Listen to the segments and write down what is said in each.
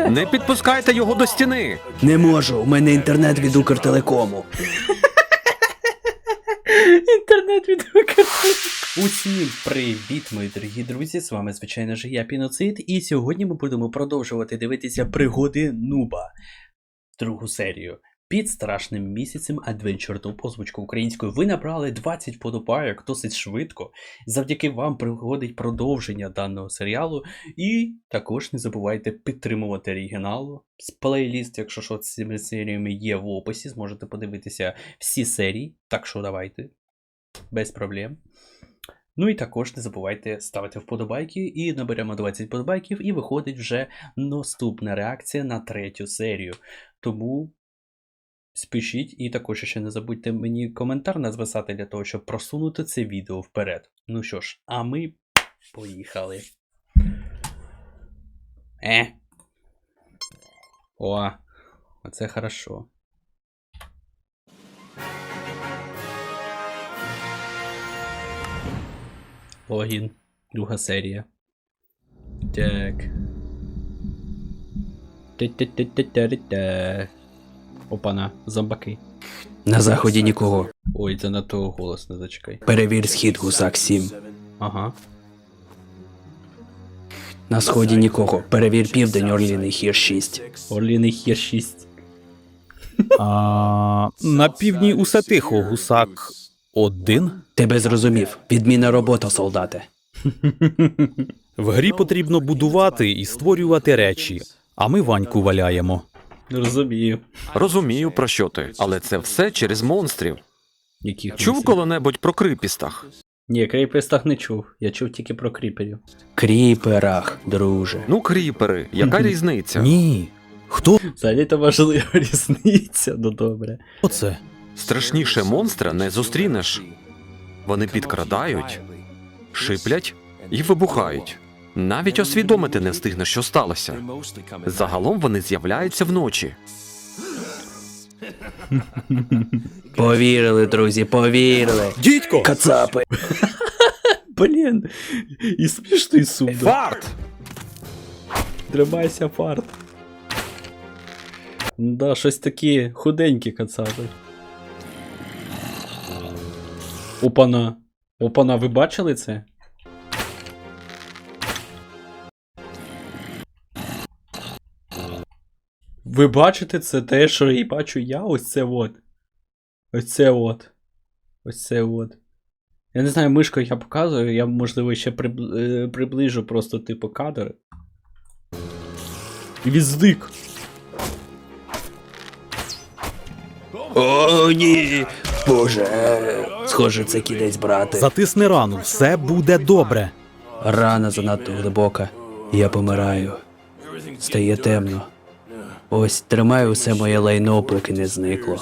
Не підпускайте його до стіни! Не можу, у мене інтернет від Укртелекому. Інтернет від Укртелекому. Усім привіт, мої дорогі друзі, з вами, звичайно ж, я Піноцид, і сьогодні ми будемо продовжувати дивитися пригоди Нуба, другу серію. Під страшним місяцем Adventure Noob, озвучку українською, ви набрали 20 вподобайок досить швидко. Завдяки вам приходить продовження даного серіалу. І також не забувайте підтримувати оригінал. З плейліст, якщо що, з цими серіями є в описі, зможете подивитися всі серії. Так що давайте, без проблем. Ну і також не забувайте ставити вподобайки, і наберемо 20 вподобайків, і виходить вже наступна реакція на третю серію. Тому спішіть, і також ще не забудьте мені коментар написати для того, щоб просунути це відео вперед. Ну що ж, а ми поїхали. О, оце хорошо. Логін, друга серія. Так. Та-та-та-та-та-та. Опана, зомбаки. На заході нікого. Ой, це на того голос не зачекай. Перевір схід, гусак 7. Ага. На сході нікого. Перевір південь, Орліний Хір 6. Орліний Хір 6. На півдні усе тихо, гусак 1. Тебе зрозумів. Відмінна робота, солдате. В грі потрібно будувати і створювати речі, а ми Ваньку валяємо. Розумію. Розумію, про що ти, але це все через монстрів. Яких Чув монстрів? коли-небудь про крипістах? Ні, кріпестах не чув. Я чув тільки про кріперів. Кріперах, друже. Ну, кріпери, яка різниця? Ні. Хто Взагалі то важлива різниця, ну добре. це? Страшніше монстра не зустрінеш. Вони підкрадають, шиплять і вибухають. Навіть освідомити не встигнеш, що сталося. Загалом вони з'являються вночі. Повірили, друзі, повірили. Дідько! Кацапи. Блін, і смішно, і сумно. Фарт! Тримайся, фарт. Да, щось такі худенькі кацапи. Опана. Опана, ви бачили це? Ви бачите це те, що і бачу я? Ось це от. Ось це от. Ось це от. Я не знаю, мишкою я показую, я, можливо, ще приближу просто, типу, кадр. І він зник. О, ні. Боже. Схоже, це кінець, брате. Затисни рану, все буде добре. Рана занадто глибока. Я помираю. Стає темно. Ось, тримаю усе моє лайно, поки не зникло.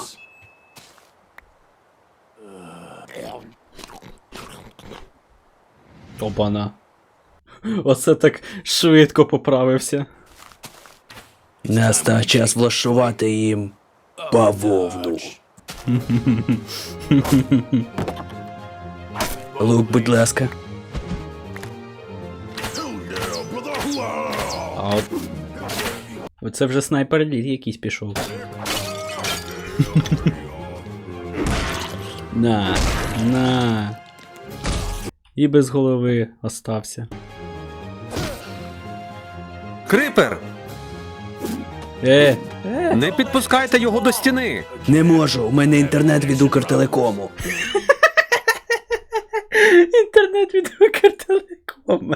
Опана. Оце так швидко поправився. Настав час влаштувати їм бавовну. Лук, будь ласка. А от... Оце вже снайпер лід якийсь пішов. На. І без голови остався. Крипер! Не підпускайте його до стіни! Не можу, у мене інтернет від Укртелекому. Інтернет від Укртелекому.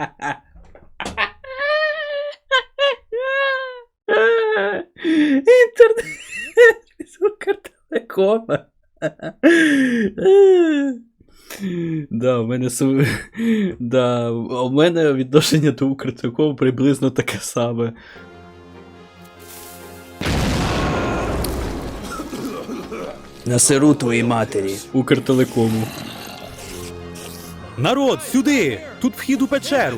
Інтернет від Укртелекому. Да, у мене відношення до Укртелекому приблизно таке саме. Насиру твоїй матері. Укртелекому. Народ, сюди! Тут вхід у печеру.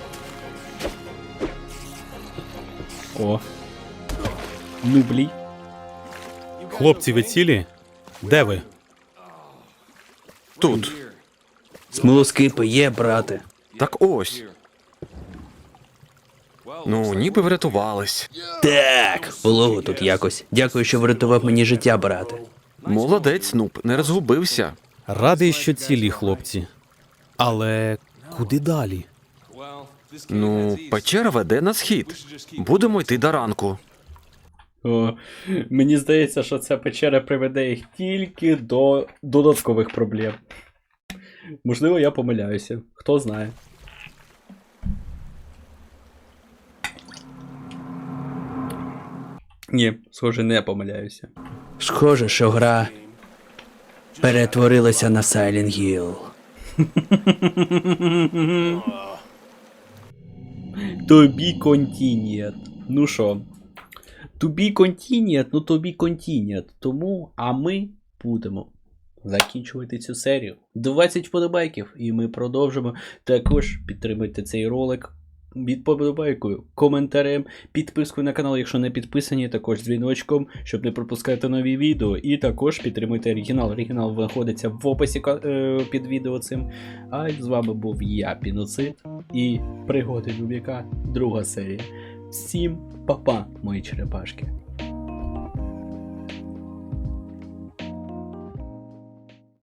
О. Нублі. Хлопці, ви цілі? Де ви? Тут. Смолоскипи є, брате. Так ось. Ну, ніби врятувались. Так, було тут якось. Дякую, що врятував мені життя, брате. Молодець, Нуб, не розгубився. Радий, що цілі, хлопці. Але куди далі? Ну, печера веде на схід. Будемо йти до ранку. О, мені здається, що ця печера приведе їх тільки до додаткових проблем. Можливо, я помиляюся. Хто знає. Ні, схоже, не помиляюся. Схоже, що гра перетворилася на Silent Hill. Тобі контінієт. Ну що? Тобі контінієт, ну тобі контінієт. Тому, а ми будемо закінчувати цю серію. 20 вподобайків, і ми продовжимо. Також підтримуйте цей ролик від вподобайкою, коментарем, підпискою на канал, якщо не підписані, також дзвіночком, щоб не пропускати нові відео. І також підтримуйте оригінал. Оригінал знаходиться в описі під відео цим. А з вами був я, Піноцид, і пригоди Нубіка, друга серія. Всім па-па, мої черепашки.